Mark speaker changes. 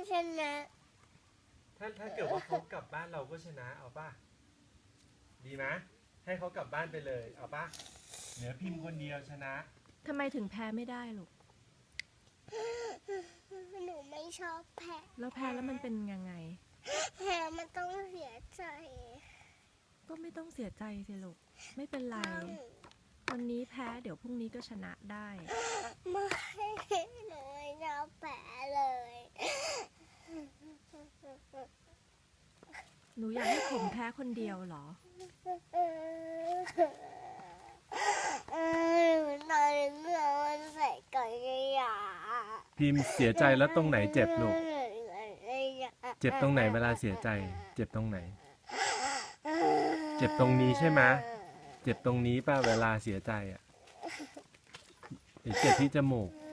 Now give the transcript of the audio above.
Speaker 1: ชนะ
Speaker 2: ถ้าเกิดว่าเขากลับบ้านเราก็ชนะเอาป่ะดีไหมให้เขากลับบ้านไปเลยเอาป่ะเหลือพิมพ์คนเดียวชนะ
Speaker 3: ทำไมถึงแพ้ไม่ได้ลูก
Speaker 1: หนูไม่ชอบแพ้
Speaker 3: แล้วแพ้แล้วมันเป็นยังไง
Speaker 1: แพ้มันต้องเสียใจ
Speaker 3: ก็ไม่ต้องเสียใจสิลูกไม่เป็นไรวันนี้แพ้เดี๋ยวพรุ่งนี้ก็ชนะได้
Speaker 1: ไม่หนูไม่ชอบแพ้เลย
Speaker 3: หนูอยากให้ผมแพ้คนเดียวเหรอ
Speaker 1: นอนเมื่อวันใส่ก่อนยา
Speaker 2: พิมพ์เสียใจแล้วตรงไหนเจ็บลูกเจ็บตรงไหนเวลาเสียใจเจ็บตรงไหนเจ็บตรงนี้ใช่ไหมเจ็บตรงนี้ป่ะเวลาเสียใจอ่ะหรือเจ็บที่จมูก